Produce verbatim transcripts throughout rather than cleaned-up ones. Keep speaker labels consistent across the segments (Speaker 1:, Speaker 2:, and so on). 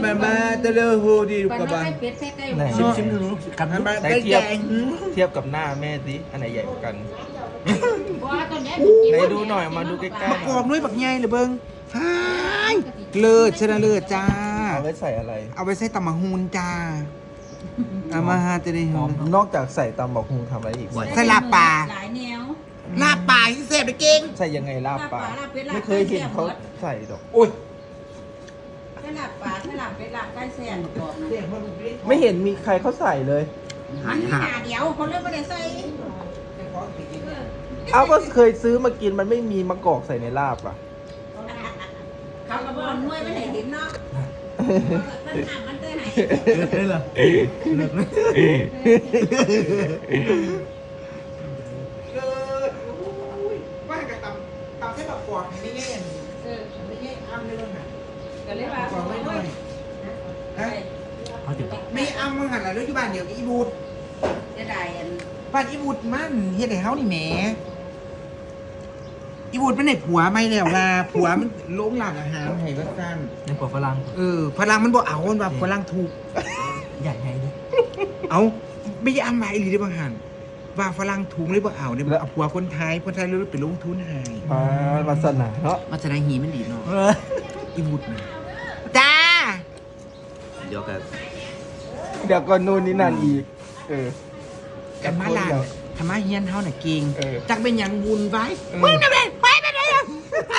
Speaker 1: มามาตะเลโฮดีลูก
Speaker 2: ปัน
Speaker 1: กระ
Speaker 2: ว่า
Speaker 1: บา
Speaker 2: ไก่เป็ดใส่ไก่
Speaker 3: ไหน
Speaker 2: ห
Speaker 3: ชิม
Speaker 2: มู
Speaker 3: ชิมดูกัน
Speaker 1: มา
Speaker 3: ไหน
Speaker 1: ใกล้
Speaker 3: เทียบ
Speaker 1: แกง
Speaker 3: เทียบกับหน้าแม่สิอันไหนใหญ่กว่ากัน
Speaker 2: บ่ว่าตอนนี้
Speaker 3: ไหนดูหน่อยมาดูใกล้ๆ
Speaker 1: กรอบด้วยบักใหญ่เลยเบิ้งฮายเลิศชนะเลิศจ้า
Speaker 3: เอาไว้ใส่อะไร
Speaker 1: เอาไปใส่ตำมะฮูนจ้าเอามาฮาจะได้หอม
Speaker 3: นอกจากใส่ตำบักฮุงทำอะไรอีก
Speaker 1: ใส่ลาบปลา
Speaker 2: หลายแนว
Speaker 1: ลาบปลาที่เสพไปเก่ง
Speaker 3: ใส่ยังไงลาบปลา
Speaker 2: ลาบเป็ดลาบ
Speaker 3: ไม่เคยเห็นเขาใส่ดอก
Speaker 1: โอ้ย
Speaker 2: ใส่ลาบปลาใส่ลาบเป็ดลาบไก่แซ่บกรอบนะ
Speaker 3: ไม่เห็นมีใครเขาใส่เลย
Speaker 2: มันมีหาเดียวเขาเลือกไม่ได้ใส่
Speaker 3: เอาก็เคยซื้อมากินมันไม่มีมะกอกใส่ในลาบอ่ะ
Speaker 2: เขากระบอกนวยไม่ได้เห็นเนาะมันหามันเตยไหน
Speaker 3: ได้เหรอ
Speaker 1: เลิศว่ากับตำตำใส่บักกวางไม่แย่เออไม่แย่อ้ำเลยนะ
Speaker 2: ก็เลยว่า
Speaker 1: กวางไม่ด้วยฮะ
Speaker 3: เอาเดี๋ยว
Speaker 1: ไม่อ้ำมึงหันหลังเลยที่บ้านเดี๋ยวอีบูด
Speaker 2: จะได้อัน
Speaker 1: บ้านอีบูดมันเฮ็ดให้เฮานี่แหมอีบูดมันได้ผัวไม่แล้วล่ะผัวมันลงหลังอาหารให้ว่าซั่น
Speaker 3: ในปอกฝรั่ง
Speaker 1: เออพลังมันบ่เอามันว่าพลังถูก
Speaker 3: ใหญ่ไงดิ
Speaker 1: เอาไม่ได้อ้ำไว้อีหลีได้บางหันว่าฝรั่งถูกเลยบ่เอาเนี่ยเอาผัวคนไทยคนไทยเลยไปลงทุนให้
Speaker 3: มามาสนาเนาะ
Speaker 1: มาแสดงหีมันดีเนาะอีบูดนะจ้า
Speaker 3: เดี๋ยวกันเดี๋ยวก่อนนู่นนี่นั่นอีก เออ
Speaker 1: กันมาลานธรรมะเฮียนเฮาน่ะเก่ง
Speaker 3: เออ
Speaker 1: จักเป็นหยังบุญไว้
Speaker 3: เออ
Speaker 1: มึงน่ะเป็นไปไปไหนอ่ะ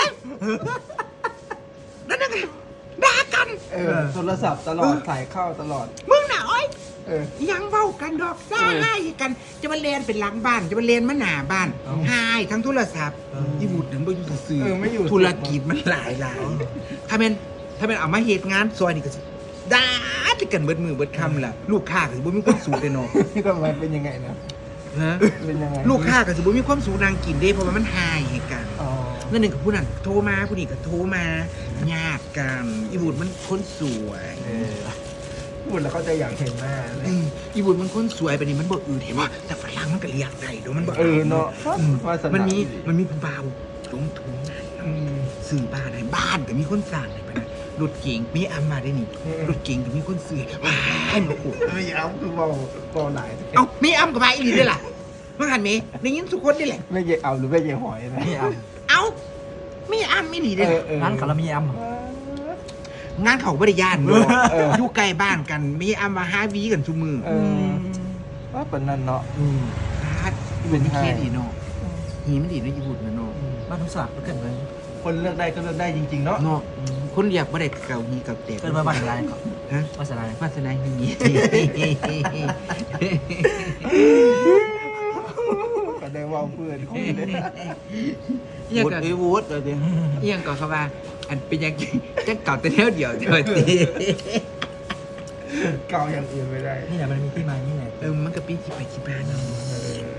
Speaker 1: นั่นน่ะด่ากัน
Speaker 3: เออโทรศัพท์ตลอดสายเข้าตลอด
Speaker 1: มึงน่ะโอ้ย
Speaker 3: เออ
Speaker 1: ยังเว้ากันดอกซ่า
Speaker 3: เออ
Speaker 1: ให้กันจะมาเรียนเป็นหลังบ้านจะมาเรียนมาหน้าบ้าน
Speaker 3: เอ้า
Speaker 1: หายทั้งโทรศัพท์
Speaker 3: เอออี
Speaker 1: อีบูดนั้นบ่อยู่ซื่อ
Speaker 3: เออไม่อยู่
Speaker 1: ธุรกิจมันหลายหลายถ้าเป็นถ้าเป็นเอามาเหตุงานซอยนี่ก็สิด่าติกันเบิดมือเบิดคำล่ะลูกค้าก็สิบ่มีความสุขเลยเนาะ
Speaker 3: ทำไมเป็นยังไงนะ
Speaker 1: ฮะ
Speaker 3: เป็นยังไง
Speaker 1: ลูกค้าก็สิบ่มีความสุขนางกินเด้เพราะว่ามันหายให้กัน
Speaker 3: อ๋อ
Speaker 1: เมื่อหนึ่งกับผู้นั้นโทรมาผู้นี้ก็โทรมาญาติกันอีบุตรมันคนสวย
Speaker 3: เออพูดแล้วเขาจะอยากเห็นหน้าเลย
Speaker 1: เอออีบุตรมันคนสวยไปนี่มันบ่อืดเห็นว่าแต่ฝรั่งมันก็เรียกได้เดี๋ยวมันบ่
Speaker 3: เออเนาะ
Speaker 1: อืม
Speaker 3: วาสนา
Speaker 1: มันมี
Speaker 3: ดี
Speaker 1: มันมีผู้บ่าวลงทุนให้
Speaker 3: อืม
Speaker 1: ซื้อบ้านให้บ้านก็มีคนสร้างให้ไปนะรถเก๋งมีอัมมาได้นี่
Speaker 3: อืม
Speaker 1: รถเก๋งก็มีคนซื้อว้ายมาโอ้
Speaker 3: ไม่เอาคือเบาเบาไหน
Speaker 1: เอ้ามีอัมกับมาอีหลีด้วยล่ะเมื่อหันเมได้ยินทุกคนนี่แหละ
Speaker 3: ไม่เยเอาหรือไม่เยหอยนะไม่เอา
Speaker 1: เอ้ามีอัมมีหลี
Speaker 3: เอ
Speaker 1: ด้วย
Speaker 3: อ
Speaker 1: ล่ะ
Speaker 3: เออ
Speaker 4: ร้านคารามีแอม
Speaker 1: งานเขาบริยานเนอะอยู่ใกล้บ้านกันมีอามาหาวีกันทุกมือ
Speaker 3: เออว่าเป็นนั่นเนาะ
Speaker 1: อืมพาดเป็นเคสอีเนาะหีมันดีเนาะญี่ปุ่นเนาะ
Speaker 4: บ้านทุกสลับก็เกิดเลย
Speaker 3: คนเลือกได้ก็เลือกได้จริง ๆ เนาะ
Speaker 1: เนาะคนอยากบ่ได้เก่าหีเก่าเตะ
Speaker 4: เกิดมาบ้านอะไรก่อน
Speaker 1: ฮะ
Speaker 4: บ้านอะไร
Speaker 1: วาสนาหี
Speaker 3: ก็ได้ว่าเพื่อนคนเลย
Speaker 1: เอียง
Speaker 3: วูด
Speaker 1: กับ
Speaker 3: ไอ้วูดเลยดิ
Speaker 1: เอียงกับเขาว่าอันเป็นยังจังเก่าแต่เท่าเดียวเท่าตี
Speaker 3: เกาอย่างอื่นไม่ได้
Speaker 4: นี่แหละมันมีที่มานี่แหละ
Speaker 1: เออมันก็ปีที่ไปที่บ้านเนาะ
Speaker 3: เออ